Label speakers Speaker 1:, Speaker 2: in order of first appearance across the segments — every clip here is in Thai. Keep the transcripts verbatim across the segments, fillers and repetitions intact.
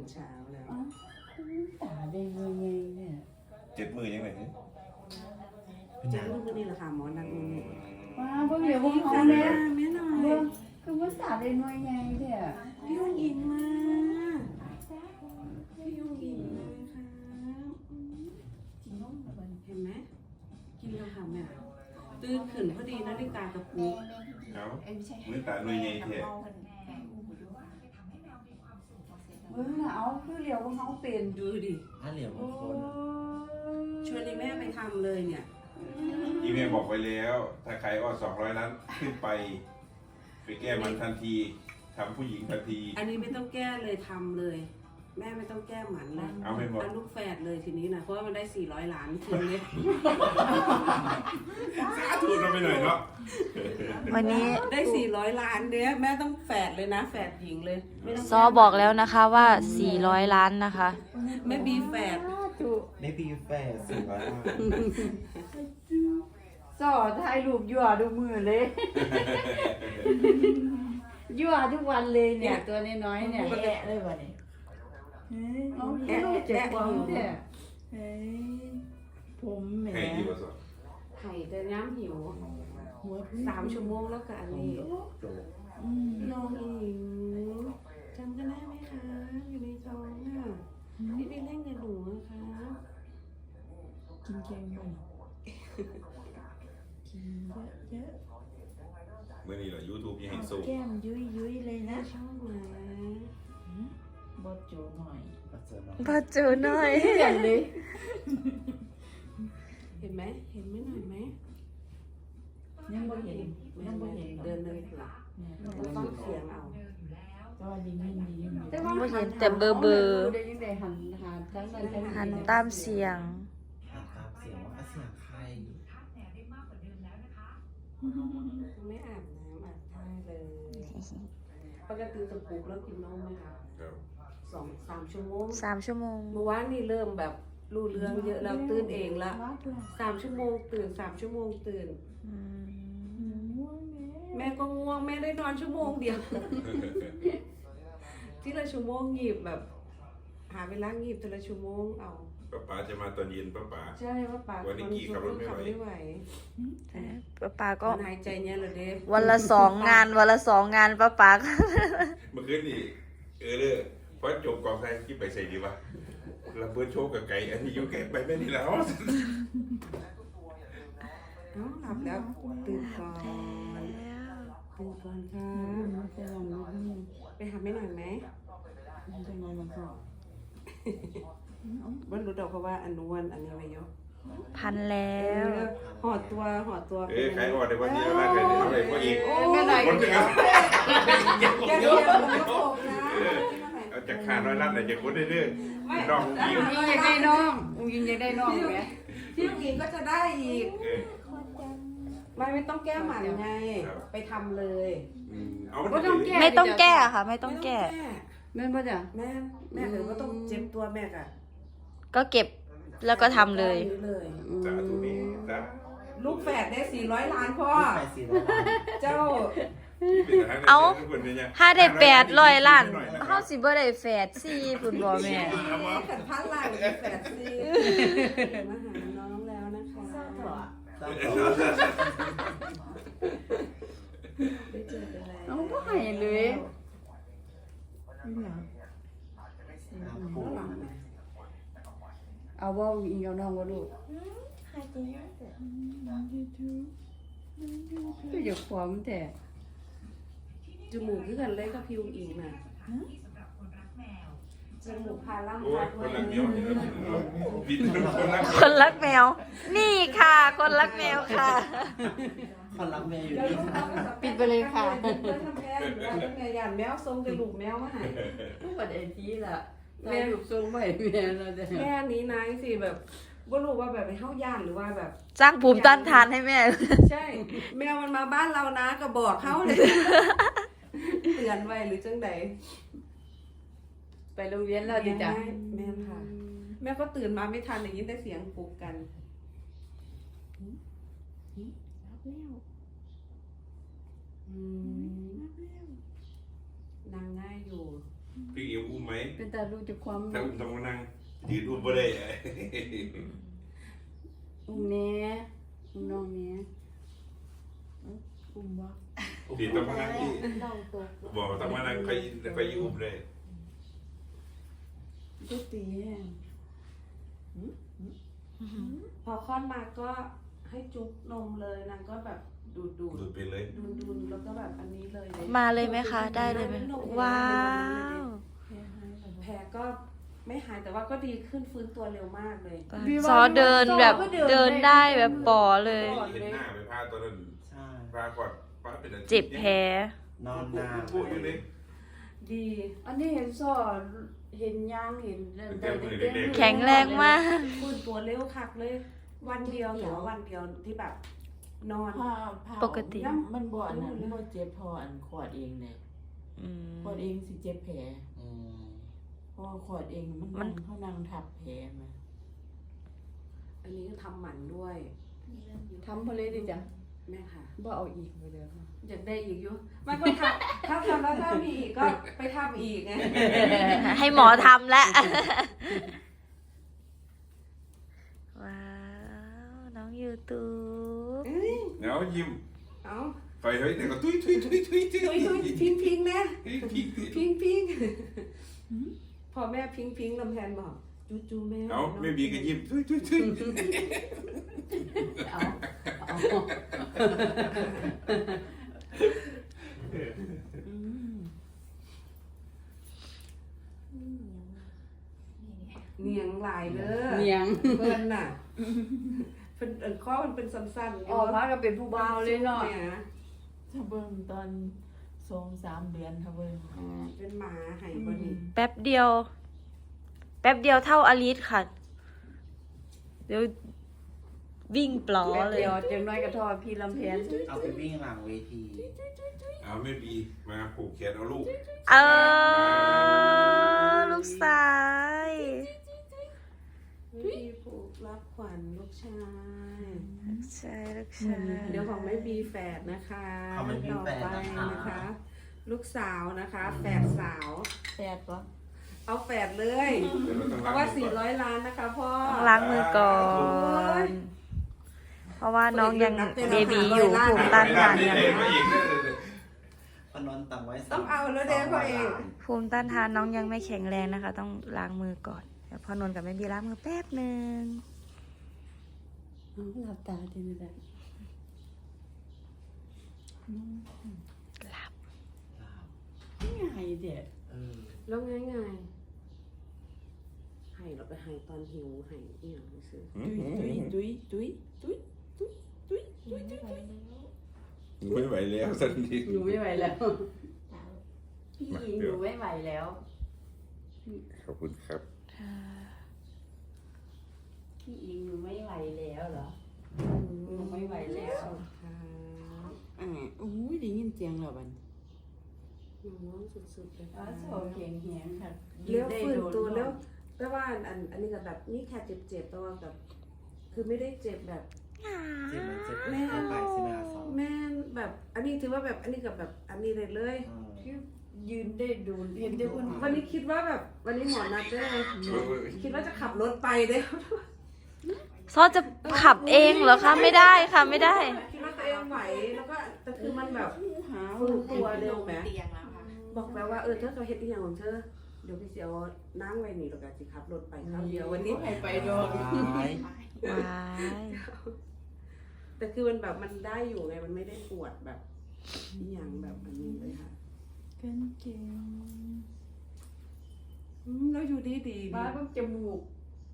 Speaker 1: เช้าแล้ว
Speaker 2: ตาแดงเงยเนี่ย
Speaker 3: เจ็ดมือยังไง
Speaker 1: เจ้าลูกนี่แหละค่ะหมอนักมือ
Speaker 2: ว้าเพิ่งเดี๋ยวผมเอาแม่
Speaker 1: แม่หน่อย
Speaker 2: คือภาษาแดงเงยไงเนี่ย
Speaker 1: พี่ยุ่งยิงมาพี่ยุ่งยิงเลยค่ะเห็นไหมกินแล้วค่ะแม่ตื่นขึ้นพอดีนาฬิกากระปุก
Speaker 3: เอามือตาหน่วยใหญ่เถอะ
Speaker 2: เมื่อเอาคือเหลียวของเขาเป็น
Speaker 1: ดูดิ
Speaker 4: ถ้าเหลียวบางคน
Speaker 1: ชวนแม่ไปทำเลยเนี่ย
Speaker 3: อีเมลบอกไปแล้ว ถ้าใครอ้อสองร้อยล้านขึ้นไปไปแก้มันทันทีทำผู้หญิงทันที
Speaker 1: อันนี้ไม่ต้องแก้เลยทำเลย แม่ไม่ต้องแก้หมันเลย
Speaker 3: เอาไม่หมด
Speaker 1: ลูกแฝดเลยทีนี้นะเพราะว่ามันได้สี่ร้อยล้านคืนเลย
Speaker 3: สาธุเราไปหน่อยเนาะ
Speaker 5: วันนี้
Speaker 1: ได้สี่ร้อยล้านเนี้ยแม่ต้องแฝดเลยนะแฝดหญิงเลย
Speaker 5: ซอบอกแล้วนะคะว่าสี่ร้อยล้านนะคะ
Speaker 1: ไม่บีแฝด
Speaker 4: ไม่ปีแฝดสี่ร้อยล้าน
Speaker 2: สอถ่ายรูปยั่วดูมือเลยยั่วทุกวันเลยเนี่ยตัวน้อยๆเนี่ยแกะเลยวันนี้น้องแกะเจ็บความเนี่ยเฮ้ยผมแหม
Speaker 3: ใครดีกว่าสอง
Speaker 1: ไข่แต่ย้ำหิวสามชั่วโมงแล้วกับอันนี้น้องอิงจำกันได้ไหมคะอยู่ในท้องอ่ะพี่ไปเล่นกับหนูนะคะ
Speaker 2: กินเค็มบ่กินเยอะ
Speaker 3: เมื่อนี้เหรอยูทูบยังให้สู้
Speaker 2: แก้มยุยยุยเลยนะ
Speaker 1: ชอบไหม
Speaker 2: บดโจหน่อย
Speaker 5: บอจูหน่อย
Speaker 2: เห็นเลย
Speaker 1: เห็นไหมเห็นไหมหน่อยไหม
Speaker 2: ยังบ่เห็นยังบ่เห็น
Speaker 1: เดินเลยเผื่อต้องเสียงเอา
Speaker 2: ก็ยิงยิงยิง
Speaker 5: ไม่เห็นแต่เบอร์เบอร์หันตามเสียง
Speaker 4: หันตามเสียงว่าเสียงใคร
Speaker 1: ไม่อาบน้ำอาบท่าเลยปกติจะปลุกแล้วกินนมไหมคะสองสามชั่วโมง
Speaker 5: สามชั่วโมง
Speaker 1: เมื่อวานนี่เริ่มแบบรู้เรื่องเยอะแล้วตื่นเองละสามชั่วโมงตื่นสามชั่วโมงตื่นแม่ก็ง่วงแม่ได้นอนชั่วโมงเดียวที่ละชั่วโมงหยิบแบบ หาเวลาหยิบแต่ละชั่วโมงเอา
Speaker 3: ป้าป๋าจะมาตอนเย็นป้าป๋า
Speaker 1: ใช่ป้าป๋า
Speaker 3: วันนี้กี่ขับรถไม่ไหว
Speaker 5: ป้าป๋าก็
Speaker 1: หายใจเนี่ยเลยเด้
Speaker 5: วันละสองงานวันละสองงานป้าป๋า
Speaker 3: เมื่อคืนนี่เออเลยเพราะจบกองไทยที่ไปใส่ดีวะเราเปิดโชว์กับไก่อันนี้ยูแกไปไม่ดีแล้ว
Speaker 1: น้องหลับแล้วตื่นก่อนตื่นก่อนค่ะไปหาไม่หน่อยไหม
Speaker 2: เป็นไงมันก็
Speaker 1: วันรู้ดอกเพราะว่าอันนวนอันนี้ไปเยอะ
Speaker 5: พันแล้ว
Speaker 1: หอดตัวหอดตัว
Speaker 3: เอ้ยใครหอดในวันนี้แล้วใครเอาอะไรพวกอีก
Speaker 1: ไม่ได้
Speaker 3: คนเดียว
Speaker 1: แกเดียว
Speaker 3: เอาจากขาน้อยรัดเลยจากคนเรื่อยๆน้องยิง
Speaker 2: ยิงยังได้น้องยิงยังได้น้องไหม
Speaker 1: ที่ลูกยิงก็จะได้อีกไม่ไม่ต้องแก้หมันไงไปทำเลย
Speaker 5: ไม่ต้องแก้ไม่ต้องแก้ค่ะไม่ต้องแก้
Speaker 2: แม่ป่ะจ๊ะ
Speaker 1: แม่แม่เออก็ต้องเจ็บตัวแม่อ่ะ
Speaker 5: ก็เก็บแล้วก็ทำเลย
Speaker 3: สาธุนี้นะ
Speaker 1: ลูกแฝดได้สี่ร้อยล้านพ่อเจ้า
Speaker 5: เอาถ้าได้แปดร้อยล้านเขาสิบ่ได้แฝดสี่คุณบ่แม่
Speaker 1: ขันพันล้านแฝดสี่มาหาน้องแล้วนะคะได้เจอกันแล้ว
Speaker 2: น้องก็หายเลยเอาว่าอีกเอาน้องว่าลูกก็อย่าขวางแต่
Speaker 1: จมูกที่กันเลยกับผิวอิงน่ะจมูกพาล่ำพา
Speaker 3: คนรักแมว
Speaker 5: คนรักแมวนี่ค่ะคนรักแมวค่ะ
Speaker 4: คนรักแมวอยู่นี่
Speaker 2: ปิดไปเลยค่ะ
Speaker 1: ทำแม่แม่ยันแมวทรงกระดูกแมวมาให้
Speaker 2: ผู้ประเด็นที่ละแม่ลูกทรงใหม่แม่เราจะ
Speaker 1: แม่นี้นายสิแบบก็รู้ว่าแบบไปเข้าย่านหรือว่าแบบ
Speaker 5: สร้างภูมิต้านทานให้แม่
Speaker 1: ใช่แมวมันมาบ้านเรานะก็บอกเขาเลยเตือนไว้หรือจังใด
Speaker 2: ไปโรงเรียนแล้วดิจ้ะ
Speaker 1: แม่ค่ะแม่ก็ตื่นมาไม่ทันอย่างนี้ได้เสียงปลุกกันนางง่ายอยู่
Speaker 3: พี่เอ็มอุ้มไหม
Speaker 2: เป็นตารู้จักความ
Speaker 3: ถ้าอุ้มต้องมานั่งยืนอุ้มไม่ได้
Speaker 2: อุ้มแน่อุ้มน้องแน่อุ้มบ่
Speaker 3: พี่ต้องมานั่งที่
Speaker 2: เล่าตก
Speaker 3: บอกต้องมานั่งไปไปอุ้มเลย
Speaker 2: ก็ตีแห้ง
Speaker 1: พอคลอดมาก็ให้จุ๊บนมเลยนางก็แบบดูดดูด
Speaker 3: ดูดไปเลย
Speaker 1: ดูดดูดแล้วก็แบบอันนี้เลย
Speaker 5: มาเลยไหมคะ ได้เลยไหมว้าว
Speaker 1: แผลก็ไม่หายแต่ว่าก็ดีขึ้นฟื้นตัวเร็วมากเลย
Speaker 5: ซอเดินแบบเดินได้แบบปอเลย
Speaker 3: เห็นหน้าไปพาตอนนั้น
Speaker 4: ใช่
Speaker 3: พาก่อนพาเป็นอาทิตย์
Speaker 5: เจ็บแผล
Speaker 4: นอนนาน
Speaker 3: ปุ๊บอยู่เลย
Speaker 1: ดี
Speaker 2: อันนี้เห็นสอนเห็นยางเห็นเดินได้เต้น
Speaker 5: แข็งแรงมาก
Speaker 1: ฟื้นตัวเร็วคักเลย วันเดียวแต่ว่าวันเดียวที่แบบนอน
Speaker 2: ผ้าผ้า
Speaker 5: ปกติ
Speaker 2: มันบ่อันนั้นบ่เจ็บพออันขวดเองเนี่ย
Speaker 5: อืม
Speaker 2: ขวดเองสิเจ็บแผล
Speaker 4: อืม
Speaker 2: เพราะว่าขวดเองมัน
Speaker 5: มัน
Speaker 2: เขานั่งทับแผลมา
Speaker 1: อันนี้ก็ทำหมันด้วย
Speaker 2: ทำพอเลยดิจ้ะ
Speaker 1: แม่ค่ะ
Speaker 2: บ่เอาอีกไปเลยค่ะ
Speaker 1: อยากได้อีกอยู่มันก็ทำถ้าทำแล้วถ้ามีอีกก็ไปทำอีกไง
Speaker 5: ให้หมอทำแล้ว ว้าว น้องยูทูบ
Speaker 1: เอ้ย
Speaker 3: เดี๋ยวยิ้ม
Speaker 1: เอา
Speaker 3: ไปเฮ้ยเดี๋ยวก็ตุ้ยตุ้ยตุ้ยตุ้ยตุ้ย
Speaker 1: ทุยทุยพิงพิงนะ
Speaker 3: พี่พี่
Speaker 1: พิงพิงพอแม่พิงพิงลำแพนบอกจูจูแม่
Speaker 3: เอาไม่มีก็ยิ้มตุ้ยตุ้ยตุ้ย
Speaker 1: เอาเอา
Speaker 2: อืม
Speaker 1: เนียงหลายเด้อ
Speaker 2: เนียง
Speaker 1: เพิ่นน่ะเป็นเอิ้นข้อมันเป็นสั้นๆ
Speaker 2: ออกมาก็เป็นผู้บ่าวเลยเนาะ
Speaker 1: เนี่ย
Speaker 2: ถ้าเบิ่งตอนสองสามเดือนถ้าเบิ่ง
Speaker 1: อ่าเป็นหมาไห้บ่นี่
Speaker 5: แป๊บเดียว แป๊บเดียวเท่าอลิสค่ะ เดี๋ยววิ่งปลอ
Speaker 2: แป๊บ
Speaker 5: เลย
Speaker 2: เดียวจังน้อยก็ทอดพี่ลำแพน
Speaker 4: เอาไปวิ่งหลังเวที
Speaker 3: เอาไม่มีมาผูกแขนเอาลูก
Speaker 5: เออ ลูกสาย
Speaker 1: ไม่มีผูกรับขวัญลูกชาย
Speaker 5: ลูกชายลูกชาย
Speaker 1: เดี๋ยวของไม่มีแฝดนะคะ
Speaker 4: เอาไม่มีแฟน
Speaker 1: ต่อไป
Speaker 4: นะคะ
Speaker 1: นะคะ ลูกสาวนะคะแฝดสาว
Speaker 2: แปดปะ
Speaker 1: เอาแฝดเลย
Speaker 3: เดี๋ยวเราต้อง
Speaker 1: เพ
Speaker 3: ล้าง
Speaker 1: ราะว่า
Speaker 3: มือก่อน
Speaker 1: สี่ร้อยล้านนะคะพ่อ
Speaker 5: ต้องล้างมือก่อน เพราะว่าน้องยังเบบีอยู่ภูมิต้านทานยัง
Speaker 3: เองไม่เองเลย
Speaker 4: พนอนตังไว้ส
Speaker 1: ต้องเอาแล้วเด้พ่อเอง
Speaker 5: ภูมิต้านทานน้องยังไม่แข็งแรงนะคะ ต้องล้างมือก่อนเดี๋ยวพ่อนนท์กับแม่บีล้างมือแป๊บหนึ่ง
Speaker 2: เอาหลับตาทีนี้แหละ
Speaker 5: หลับ
Speaker 2: ง่ายเด็ด
Speaker 4: เออ
Speaker 1: แล้วไงไงให้เราไปให้ตอนหิวให้เอี่ยงซื้อ
Speaker 2: ตุ้ยตุ้ยตุ้ยตุ้ยตุ้ยตุ้ยตุ้ยตุ้ย
Speaker 3: ไม่ไหวแล้วสักที
Speaker 2: หนูไม่ไหวแล้วพี่หญิงหนูไม่ไหวแล้ว
Speaker 3: ขอบคุณครับ
Speaker 2: พี่หญิงหนูไม่ไหวแล้วเหรอหนูไม่ไหวแล้ว
Speaker 1: ค่ะ
Speaker 2: อ่าอุ้ยได้ยินเสียงแล้วบัด
Speaker 1: หนูน้องสุดๆเลย
Speaker 2: อ๋อ
Speaker 1: ค่ะ
Speaker 2: โอเคแหงค่ะ
Speaker 1: เลี้ยวฟื้นตัวแล้วแต่ว่าอันอันนี้ก็แบบนี่แค่เจ็บๆแต่ว่าแบบคือไม่ได้เจ็บแบบ
Speaker 4: เจ็บไหมเจ็บไหมเข้าไปสินาสอง
Speaker 1: แม่นแบบอันนี้ถือว่าแบบอันนี้กับแบบอันนี้เลยเลย
Speaker 4: อืม
Speaker 2: ยืนได้ดูเห็นได้คน
Speaker 1: วันนี้คิดว่าแบบวันนี้หมอนัดด้วยคิดว่าจะขับรถไปเด้อ
Speaker 5: ซอจะขับเองเหรอคะ ไม่ได้ค่ะไม่ได้
Speaker 1: คิดว่าตัวเองไหวแล้วก็แต่คือมันแบบ
Speaker 2: หา
Speaker 1: ฟื้นตัวเร็วไหม
Speaker 6: เตียงแล้วค่ะ
Speaker 1: บอกแล้วว่าเออเธอจะเฮ็ดอีหยังของเธอเดี๋ยวพี่เสียวนั่งไว้นี่แล้วก็สิขับรถไปคราวเดียววันนี้
Speaker 2: ให้ไปโดน
Speaker 4: ว้าย
Speaker 5: ว้าย
Speaker 1: แต่คือมันแบบมันได้อยู่ไงมันไม่ได้ปวดแบบอีหยังแบบอันนี้เลยค่ะ
Speaker 2: กันเก่ง
Speaker 1: อืมแล้วอยู่ดีดีดี
Speaker 2: บ้าต้องจมูก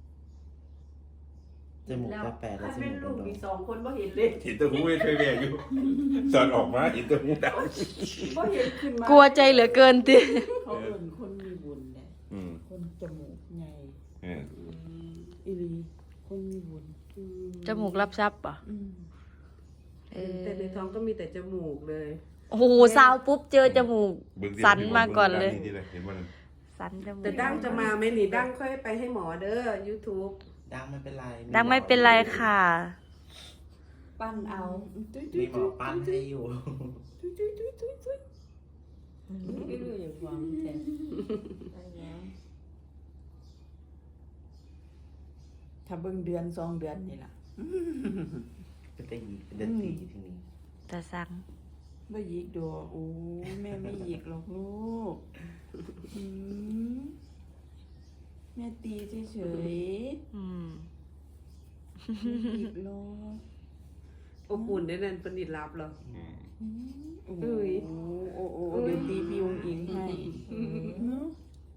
Speaker 4: จมูกจะแปดแล้วจ
Speaker 2: เป็
Speaker 4: มู
Speaker 2: น
Speaker 4: ก
Speaker 2: ลู
Speaker 4: โด
Speaker 2: ก
Speaker 4: น
Speaker 2: มีสองคนบ่เห็นเลย
Speaker 3: เห็นตัวหูไม่เคยแบกอยู่สอนออกมาเห็นตัวหูด
Speaker 2: บ่เห็นขึ้นมาก
Speaker 5: ลัวใจเหลือเกินติ
Speaker 2: เขาเอิ่นคนมีบุญแหละ
Speaker 3: ำอืม
Speaker 2: คนจมูกใหญ่
Speaker 3: เออ
Speaker 2: อีหลีคนมีบุญ
Speaker 1: อืม
Speaker 5: จมูกรับทรัพย์ป่ะ
Speaker 2: อืม
Speaker 5: เออ
Speaker 1: แต่ในท้องก็มีแต่จมูกเลย
Speaker 5: โอ้โหซาวปุ๊บเจอจมูก
Speaker 3: เบิ่งสิ
Speaker 5: สันมาก่อนเลย
Speaker 3: บิ่งด้าเห็นว่า
Speaker 5: สันจมูก
Speaker 1: แต่ดั้งจะมาไหมนี่ดั้งค่อยไปให้หมอเด้อ YouTube
Speaker 4: ดังไม่เป็นไร
Speaker 5: ดังไม่เป็นไรค่ะ
Speaker 2: ปั้นเอาตุ้ย
Speaker 4: มีหมอปั้นให้อยู่
Speaker 2: ตุ้ยตุ้ยตุ้ยตุ้ยตุ้ยไม่รู้อย่างความแต่ถ้าเบิ่งเดือนสองเดือนนี่ล่ะ
Speaker 4: เป็นแต่ยีเป็นเดือนตีทีนี้
Speaker 5: ตาสัง
Speaker 2: บ่หยิกดอกโอ้แม่ไม่หยิกหรอกลูกอืมแม่ตีเฉย
Speaker 5: อืม
Speaker 2: ๆไม่หยิกหรอก
Speaker 1: อบอุ่นได้นั่นเป็นอิดลับเหรอ
Speaker 3: อืม
Speaker 2: อืมโอ้
Speaker 1: เอ้ย
Speaker 2: โอ้โอ้โอ้เดี๋ยวตีพี่องอิงให้อืม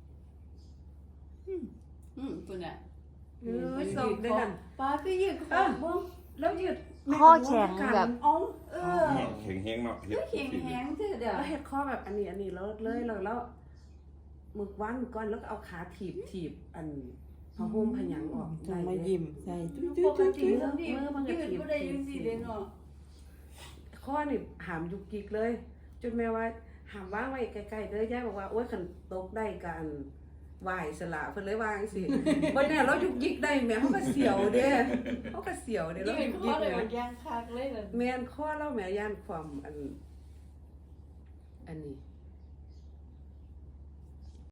Speaker 2: อืมตัวน่ะ
Speaker 1: เออส่งได้นั่น
Speaker 2: ป้าก็หยิกคอบ้ง
Speaker 1: แล้วยืด
Speaker 5: ข้อแข็งแบบ
Speaker 2: อ๋อเออ
Speaker 3: แข็งแห้งเนาะเฮ็ด
Speaker 2: แข็งแข็งเถอะเดี๋ยว
Speaker 1: แล้วเฮ็ดข้อแบบอันนี้อันนี้แล้วเลยแล้วแล้วมึกวันก่อนแล้วก็เอาขาถีบถีบอันพอห่มพยังออก
Speaker 2: ต้องมา
Speaker 1: ได้เลย
Speaker 2: ยิ้มใส่จุ๊
Speaker 1: ปก
Speaker 2: จุ๊
Speaker 1: ติ
Speaker 2: จุ๊
Speaker 1: เรื่องนี้มันก็
Speaker 2: ยืด
Speaker 1: ถีบ
Speaker 2: บ่ได้ยังสิเด้เนาะ
Speaker 1: ข้อนี่หามยุกยิกเลย จนแม่ว่าหามว่างไว้ใกล้ๆเด้อย่าบอกว่าโอ๊ยคันตกได้กันไหวสละเพิ่นเลยวางสิบ่แน่เรายุกยิกได้แม่เฮาก็เสียวเด้เฮาก็เสียวเด้เรา
Speaker 2: ยื
Speaker 1: ยุ
Speaker 2: ด
Speaker 1: ก
Speaker 2: ค
Speaker 1: ยิ
Speaker 2: อก เลย
Speaker 1: แม่
Speaker 2: มันย่างคักเลยน่ะ
Speaker 1: แม่นข้อเราแม่ย่านความอันอันนี้